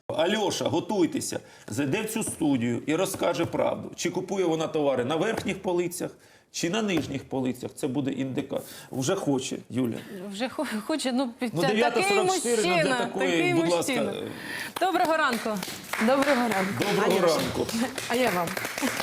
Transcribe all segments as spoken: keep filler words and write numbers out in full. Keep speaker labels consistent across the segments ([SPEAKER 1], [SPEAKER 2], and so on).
[SPEAKER 1] Альоша, готуйтеся, зайде в цю студію і розкаже правду. Чи купує вона товари на верхніх полицях, чи на нижніх полицях. Це буде індикатор. Вже хоче, Юля.
[SPEAKER 2] Вже хоче, ну,
[SPEAKER 1] Ну,
[SPEAKER 2] такий
[SPEAKER 1] дев'ята сорок чотири, ну,
[SPEAKER 2] мужчина,
[SPEAKER 1] для такої,
[SPEAKER 2] такий
[SPEAKER 1] будь
[SPEAKER 2] мужчина.
[SPEAKER 1] ласка.
[SPEAKER 2] Доброго ранку.
[SPEAKER 3] Доброго ранку.
[SPEAKER 1] Доброго ранку.
[SPEAKER 3] А я вам.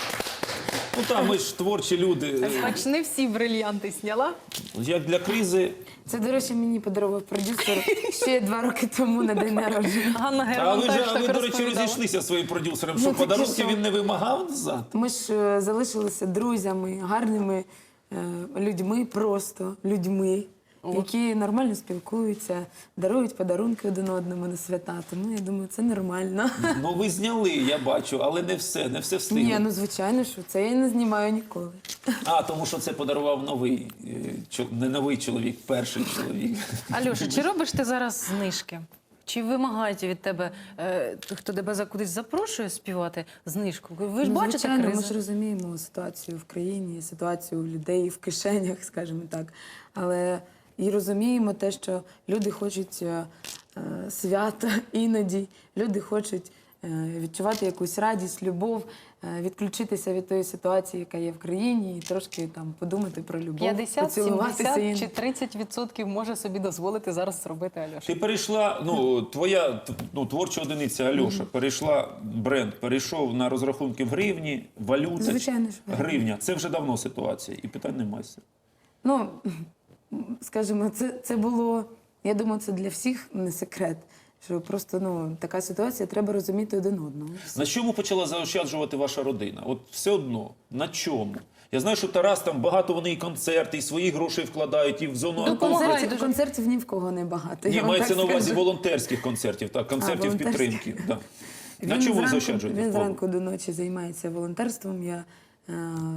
[SPEAKER 1] Ну там ми ж творчі люди.
[SPEAKER 2] Хоч не всі брильянти зняла.
[SPEAKER 1] Як для кризи.
[SPEAKER 3] Це, до речі, мені подарував продюсер ще два роки тому на день народження.
[SPEAKER 2] Ганна
[SPEAKER 1] А
[SPEAKER 2] Герман
[SPEAKER 1] ви,
[SPEAKER 2] теж
[SPEAKER 1] ж, а ви,
[SPEAKER 2] так
[SPEAKER 1] до речі,
[SPEAKER 2] розповідала.
[SPEAKER 1] розійшлися своїм продюсером.
[SPEAKER 3] Ну,
[SPEAKER 1] Що,
[SPEAKER 3] таке
[SPEAKER 1] подарунки
[SPEAKER 3] що?
[SPEAKER 1] він не вимагав назад?
[SPEAKER 3] Ми ж е, залишилися друзями, гарними е, людьми, просто людьми, які нормально спілкуються, дарують подарунки один одному на свята. Тому я думаю, це нормально.
[SPEAKER 1] Ну ви зняли, я бачу, але не все, не все встигли.
[SPEAKER 3] Ні, ну звичайно, що це я не знімаю ніколи.
[SPEAKER 1] А, тому що це подарував новий, е, чо- не новий чоловік, перший чоловік.
[SPEAKER 2] Алюша, чи робиш ти зараз знижки? Чи вимагають від тебе, е, хто тебе за кудись запрошує співати, знижку? Ви ж
[SPEAKER 3] Ну,
[SPEAKER 2] бачите
[SPEAKER 3] звичайно, ми
[SPEAKER 2] кризу?
[SPEAKER 3] ж розуміємо ситуацію в країні, ситуацію у людей в кишенях, скажімо так. Але і розуміємо те, що люди хочуть е, е, свята іноді, люди хочуть е, відчувати якусь радість, любов, е, відключитися від тої ситуації, яка є в країні, і трошки там подумати про любов,
[SPEAKER 2] п'ятдесят,
[SPEAKER 3] поцілуватися.
[SPEAKER 2] сімдесят
[SPEAKER 3] і-
[SPEAKER 2] чи тридцять відсотків може собі дозволити зараз зробити Альоша?
[SPEAKER 1] Ти перейшла, ну, твоя т- ну, творча одиниця Альоша, перейшла бренд, перейшов на розрахунки в гривні, валюта.
[SPEAKER 3] Звичайно ж.
[SPEAKER 1] Гривня. Це вже давно ситуація, і питань немає.
[SPEAKER 3] Ну, скажімо, це, це було, я думаю, це для всіх не секрет, що просто ну, така ситуація, треба розуміти один одного.
[SPEAKER 1] На чому почала заощаджувати ваша родина? От все одно, на чому? Я знаю, що Тарас там багато вони і концерти, і свої гроші вкладають, і в зону
[SPEAKER 2] Допомагає
[SPEAKER 1] антикризу.
[SPEAKER 2] дуже.
[SPEAKER 3] Концертів, концертів ні в кого не багато.
[SPEAKER 1] Ні,
[SPEAKER 3] я вам
[SPEAKER 1] мається
[SPEAKER 3] так
[SPEAKER 1] на увазі
[SPEAKER 3] скажу.
[SPEAKER 1] волонтерських концертів, так, концертів
[SPEAKER 3] волонтерських.
[SPEAKER 1] підтримки. Да. На
[SPEAKER 3] Він
[SPEAKER 1] чому ви
[SPEAKER 3] зранку-
[SPEAKER 1] заощаджуєте?
[SPEAKER 3] Він зранку до ночі займається волонтерством. Я е,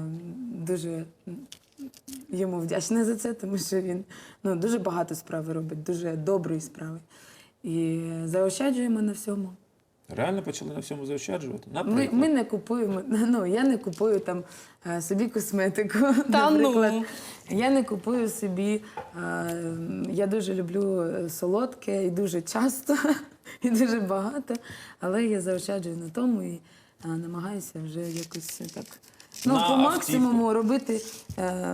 [SPEAKER 3] дуже йому вдячна за це, тому що він ну, дуже багато справи робить, дуже доброї справи. І заощаджуємо на всьому.
[SPEAKER 1] Реально почали на всьому заощаджувати?
[SPEAKER 3] Ми,
[SPEAKER 1] Наприклад.
[SPEAKER 3] ми не купуємо, ну я не купую там е, собі косметику.
[SPEAKER 2] Та
[SPEAKER 3] наприклад.
[SPEAKER 2] ну.
[SPEAKER 3] Я не купую собі. е, Я дуже люблю солодке і дуже часто, і дуже багато, але я заощаджую на тому і е, намагаюся вже якось так ну,
[SPEAKER 1] На
[SPEAKER 3] по
[SPEAKER 1] автівку.
[SPEAKER 3] максимуму робити е,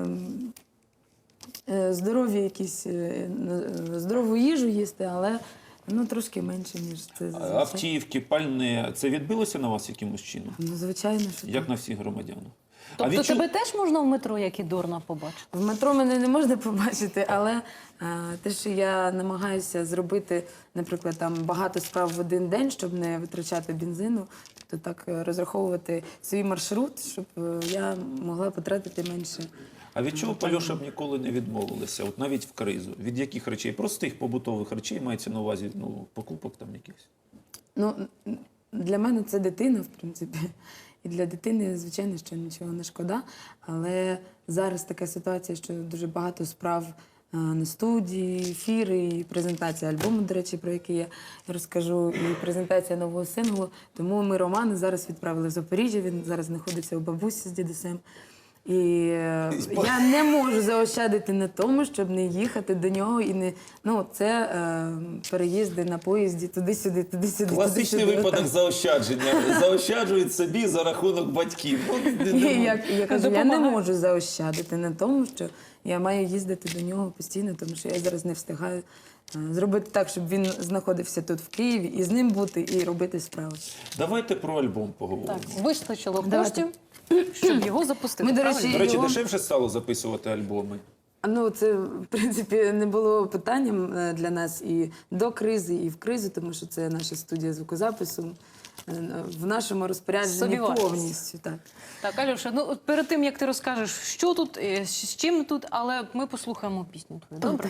[SPEAKER 3] е, здорові якісь е, е, здорову їжу їсти, але ну трошки менше, ніж це зазвичай.
[SPEAKER 1] Автівки, пальне. Це відбилося на вас якимось чином?
[SPEAKER 3] Ну, звичайно, що
[SPEAKER 1] Як
[SPEAKER 3] так.
[SPEAKER 1] на всіх громадян?
[SPEAKER 2] Тобто
[SPEAKER 1] відчу-
[SPEAKER 2] тебе теж можна в метро, як і Дорна, побачити?
[SPEAKER 3] В метро мене не можна побачити, але е, те, що я намагаюся зробити, наприклад, там багато справ в один день, щоб не витрачати бензину, то так е, розраховувати свій маршрут, щоб е, я могла потратити менше.
[SPEAKER 1] А від чого Пальоша б ніколи не відмовилися, от навіть в кризу? Від яких речей? Простих побутових речей мається на увазі, ну, покупок там якихось?
[SPEAKER 3] Ну, н- для мене це дитина, в принципі. І для дитини, звичайно, що нічого не шкода. Але зараз така ситуація, що дуже багато справ е, на студії, ефіри, і презентація альбому, до речі, про який я розкажу, і презентація нового синглу. Тому ми Романа зараз відправили в Запоріжжя, він зараз знаходиться у бабусі з дідусем. І е, я не можу заощадити на тому, щоб не їхати до нього і не ну це е, переїзди на поїзді туди-сюди, туди-сюди.
[SPEAKER 1] Класичний
[SPEAKER 3] туди-сюди,
[SPEAKER 1] випадок
[SPEAKER 3] отак.
[SPEAKER 1] заощадження. Заощаджують собі за рахунок батьків. Ну, не-
[SPEAKER 3] І
[SPEAKER 1] не-
[SPEAKER 3] я, я кажу, я не
[SPEAKER 2] Допомагає.
[SPEAKER 3] можу заощадити на тому, що я маю їздити до нього постійно, тому що я зараз не встигаю е, зробити так, щоб він знаходився тут в Києві, і з ним бути, і робити справи.
[SPEAKER 1] Давайте про альбом поговоримо.
[SPEAKER 2] Так, вистачило
[SPEAKER 3] Давайте.
[SPEAKER 2] коштів, щоб його запустити.
[SPEAKER 3] Ми, до
[SPEAKER 2] правильно?
[SPEAKER 3] речі,
[SPEAKER 1] До речі,
[SPEAKER 3] його-
[SPEAKER 1] дешевше стало записувати альбоми.
[SPEAKER 3] А, Ну, це, в принципі, не було питанням е, для нас і до кризи, і в кризу, тому що це наша студія звукозапису е, в нашому розпорядженні
[SPEAKER 2] Собівартість.
[SPEAKER 3] повністю. Так.
[SPEAKER 2] Так, Альоша, ну от перед тим, як ти розкажеш, що тут, е, з чим тут, але ми послухаємо пісню твою, добре?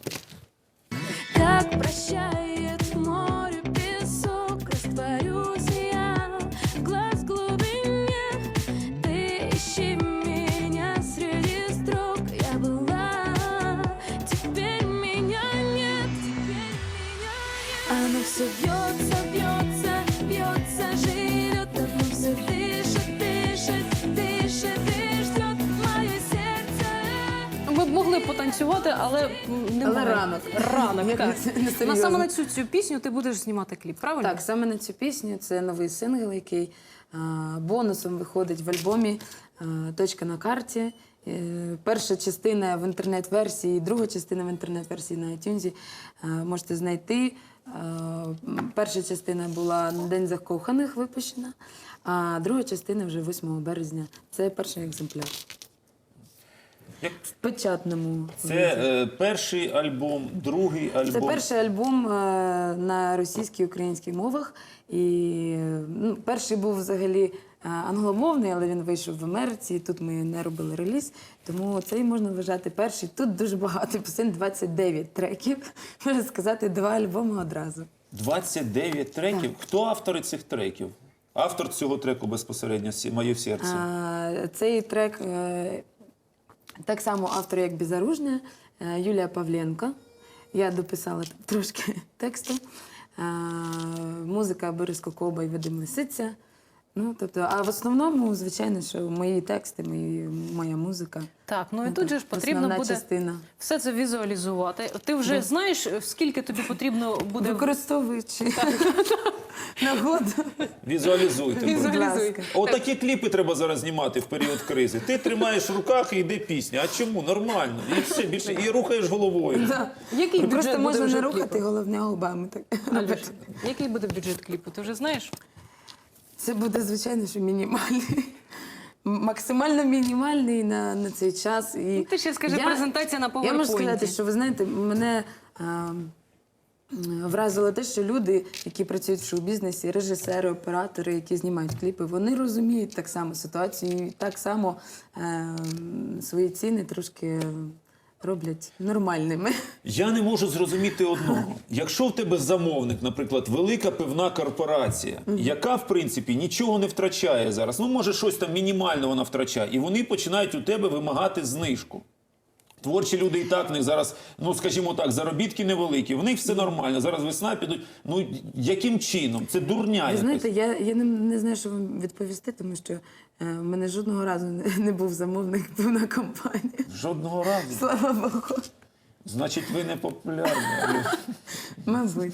[SPEAKER 4] Как прощает море песок, растворюсь я в глаз глубине. Ты ищи меня среди строк, я была, теперь меня нет, теперь меня нет. Оно все бьется, бьется, бьется, живет, давно все дышит, дышит, дышит и ждет мое сердце.
[SPEAKER 2] Ми б могли хотіли потанцювати, але м, немає.
[SPEAKER 3] Але ранок.
[SPEAKER 2] Ранок,
[SPEAKER 3] Як
[SPEAKER 2] так.
[SPEAKER 3] не- не серйозно.
[SPEAKER 2] На саме на цю, цю пісню ти будеш знімати кліп, правильно?
[SPEAKER 3] Так, саме на цю пісню це новий сингл, який а, бонусом виходить в альбомі а, «Точка на карті». Е, Перша частина в інтернет-версії, друга частина в інтернет-версії на iTunes а, можете знайти. А, м, Перша частина була на День закоханих випущена, а друга частина вже восьмого березня. Це перший екземпляр.
[SPEAKER 1] Як
[SPEAKER 3] В печатному.
[SPEAKER 1] це е, перший альбом, другий альбом.
[SPEAKER 3] Це перший альбом е, на російській і українській мовах. І е, ну, перший був взагалі е, англомовний, але він вийшов в Америці. Тут ми не робили реліз, тому цей можна вважати перший. Тут дуже багато пісень, двадцять дев'ять треків. Можна сказати, два альбоми одразу.
[SPEAKER 1] двадцять дев'ять треків. Хто автори цих треків? Автор цього треку безпосередньо «Сі- «Моє в серці».
[SPEAKER 3] А, цей трек е, так само автор, як «Безоружня», е, Юлія Павленко. Я дописала там трошки тексту. А, музика Борис Кокоба і Вадим Лисиця. Ну, тобто, а в основному, звичайно, що мої тексти, мої, моя музика.
[SPEAKER 2] Так, ну і
[SPEAKER 3] Ну,
[SPEAKER 2] тут же
[SPEAKER 3] так,
[SPEAKER 2] ж потрібно
[SPEAKER 3] основна
[SPEAKER 2] буде
[SPEAKER 3] частина.
[SPEAKER 2] все це візуалізувати. Ти вже знаєш, скільки тобі потрібно буде
[SPEAKER 3] Використовуючи нагоду.
[SPEAKER 1] Візуалізуйте. будь
[SPEAKER 3] Візуалізуй.
[SPEAKER 1] ласка.
[SPEAKER 2] Візуалізуй.
[SPEAKER 1] Отакі кліпи треба зараз знімати в період кризи. Ти тримаєш в руках і йде пісня. А чому? Нормально. І все, більше. І рухаєш головою.
[SPEAKER 2] Який
[SPEAKER 3] Ну,
[SPEAKER 2] бюджет
[SPEAKER 3] просто
[SPEAKER 2] буде
[SPEAKER 3] можна
[SPEAKER 2] вже
[SPEAKER 3] не
[SPEAKER 2] кліпу?
[SPEAKER 3] рухати, головне губами. Так.
[SPEAKER 2] Альош, який буде бюджет кліпу? Ти вже знаєш?
[SPEAKER 3] Це буде, звичайно, що мінімальний. Максимально мінімальний на, на цей час. І
[SPEAKER 2] Ну, ти ще скажи, презентація на
[SPEAKER 3] Я можу
[SPEAKER 2] PowerPoint.
[SPEAKER 3] сказати, що ви знаєте, мене а, вразило те, що люди, які працюють в шоу-бізнесі, режисери, оператори, які знімають кліпи, вони розуміють так само ситуацію і так само е, свої ціни трошки роблять нормальними.
[SPEAKER 1] Я не можу зрозуміти одного. Якщо в тебе замовник, наприклад, велика пивна корпорація, яка, в принципі, нічого не втрачає зараз, ну, може, щось там мінімально вона втрачає, і вони починають у тебе вимагати знижку. Творчі люди і так в них зараз, ну, скажімо так, заробітки невеликі, в них все нормально, зараз весна підуть. Ну, яким чином? Це дурня
[SPEAKER 3] Ви
[SPEAKER 1] якась.
[SPEAKER 3] знаєте, я, я не, не знаю, що вам відповісти, тому що е, в мене жодного разу не, не був замовник пивна компанія.
[SPEAKER 1] Жодного разу.
[SPEAKER 3] Слава Богу.
[SPEAKER 1] Значить, ви не популярні.
[SPEAKER 3] Мабуть.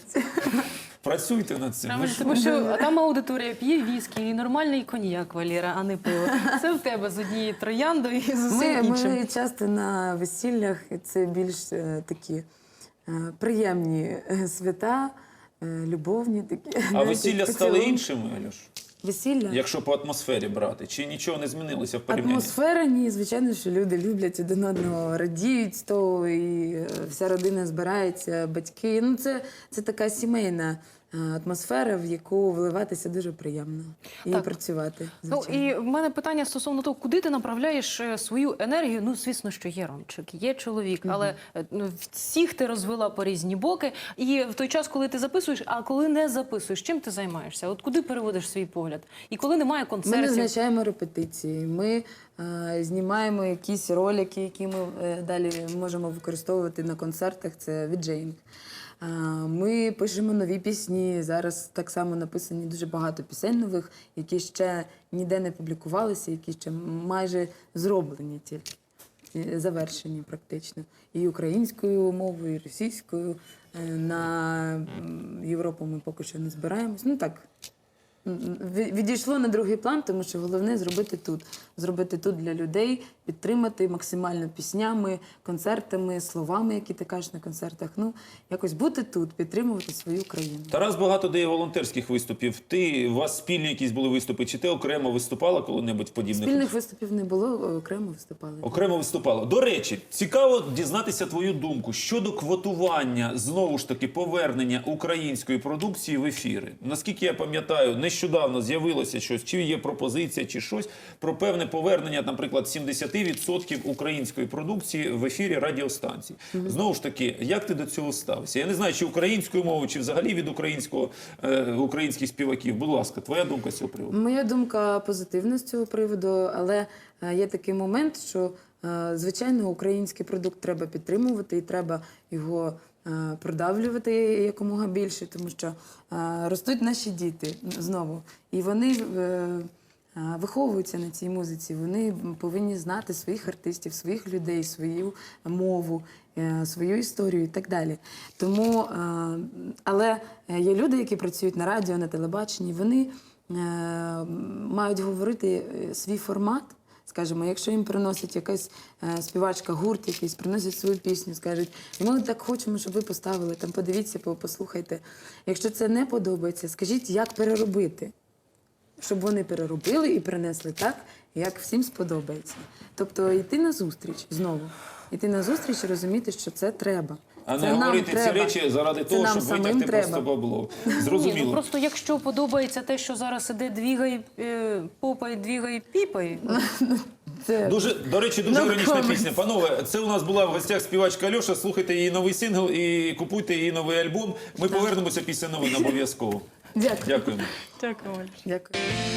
[SPEAKER 1] Працюйте над цим. Ви
[SPEAKER 2] Правильно,
[SPEAKER 1] ж-
[SPEAKER 2] тому що там аудиторія п'є віскі і нормальний коньяк, Валера, а не пиво. Це в тебе з однією трояндою і з усім
[SPEAKER 3] Ми,
[SPEAKER 2] іншим.
[SPEAKER 3] ми часто на весіллях це більш е, такі е, приємні е, свята, е, любовні такі.
[SPEAKER 1] А
[SPEAKER 3] знаєте,
[SPEAKER 1] весілля стали
[SPEAKER 3] поцілунки.
[SPEAKER 1] іншими, Альош?
[SPEAKER 3] Весілля?
[SPEAKER 1] Якщо по атмосфері брати, чи нічого не змінилося в порівнянні?
[SPEAKER 3] Атмосфера, ні, звичайно, що люди люблять один одного, радіють з того, і е, вся родина збирається, батьки. Ну, це, це така сімейна е, атмосфера, в яку вливатися дуже приємно і
[SPEAKER 2] Так.
[SPEAKER 3] працювати.
[SPEAKER 2] Ну
[SPEAKER 3] Звичайно.
[SPEAKER 2] і в мене питання стосовно того, куди ти направляєш е, свою енергію. Ну, звісно, що є Ромчик, є чоловік, але е, ну, всіх ти розвела по різні боки. І в той час, коли ти записуєш, а коли не записуєш, чим ти займаєшся? От куди переводиш свій погляд? І коли немає
[SPEAKER 3] Ми
[SPEAKER 2] концертів?
[SPEAKER 3] назначаємо репетиції, ми е, знімаємо якісь ролики, які ми е, далі можемо використовувати на концертах. Це віджейнг. Е, ми пишемо нові пісні. Зараз так само написані дуже багато пісень нових, які ще ніде не публікувалися, які ще майже зроблені тільки. е, Завершені практично. І українською мовою, і російською. Е, На м, Європу ми поки що не збираємось. Ну так, Ві- відійшло на другий план, тому що головне зробити тут. Зробити тут для людей, підтримати максимально піснями, концертами, словами, які ти кажеш на концертах. Ну, якось бути тут, підтримувати свою країну.
[SPEAKER 1] Тарас багато дає волонтерських виступів. Ти, у вас спільні якісь були виступи, чи ти окремо виступала коли-небудь в подібних?
[SPEAKER 3] Спільних виступів не було, окремо виступали.
[SPEAKER 1] Окремо виступала. До речі, цікаво дізнатися твою думку щодо квотування, знову ж таки, повернення української продукції в ефіри. Наскільки я пам'ятаю, нещодавно з'явилося щось, чи є пропозиція, чи щось, про певне повернення, наприклад, сімдесят відсотків української продукції в ефірі радіостанцій. Знову ж таки, як ти до цього ставишся? Я не знаю, чи українською мовою, чи взагалі від українського, е, українських співаків. Будь ласка, твоя думка з цього приводу?
[SPEAKER 3] Моя думка позитивна з цього приводу, але е, є такий момент, що, е, звичайно, український продукт треба підтримувати і треба його е, продавлювати якомога більше, тому що е, ростуть наші діти знову. І вони е, а, виховуються на цій музиці. Вони повинні знати своїх артистів, своїх людей, свою мову, е, свою історію і так далі. Тому, е, але є люди, які працюють на радіо, на телебаченні, вони е, мають говорити е, свій формат. Скажімо, якщо їм приносить якась е, співачка, гурт якийсь, приносять свою пісню, скажуть, і ми так хочемо, щоб ви поставили, там подивіться, по- послухайте. Якщо це не подобається, скажіть, як переробити, щоб вони переробили і принесли так, як всім сподобається. Тобто йти на зустріч знову, йти на зустріч і розуміти, що це треба.
[SPEAKER 1] А
[SPEAKER 3] Це
[SPEAKER 1] не
[SPEAKER 3] нам
[SPEAKER 1] говорити ці
[SPEAKER 3] треба.
[SPEAKER 1] речі заради
[SPEAKER 3] Це
[SPEAKER 1] того,
[SPEAKER 3] нам
[SPEAKER 1] щоб
[SPEAKER 3] самим
[SPEAKER 1] витягти
[SPEAKER 3] треба.
[SPEAKER 1] просто бабло.
[SPEAKER 2] Ні, ну
[SPEAKER 1] Зрозуміло.
[SPEAKER 2] просто якщо подобається те, що зараз іде двігай, е, попай, двігай, піпай.
[SPEAKER 3] Це
[SPEAKER 1] Дуже, до речі, дуже
[SPEAKER 3] No
[SPEAKER 1] іронічна
[SPEAKER 3] comments.
[SPEAKER 1] пісня. Панове, це у нас була в гостях співачка Альоша. Слухайте її новий сингл і купуйте її новий альбом. Ми повернемося після новин обов'язково.
[SPEAKER 3] Дякую.
[SPEAKER 1] Дякуємо.
[SPEAKER 2] Дякую.
[SPEAKER 3] Дякую.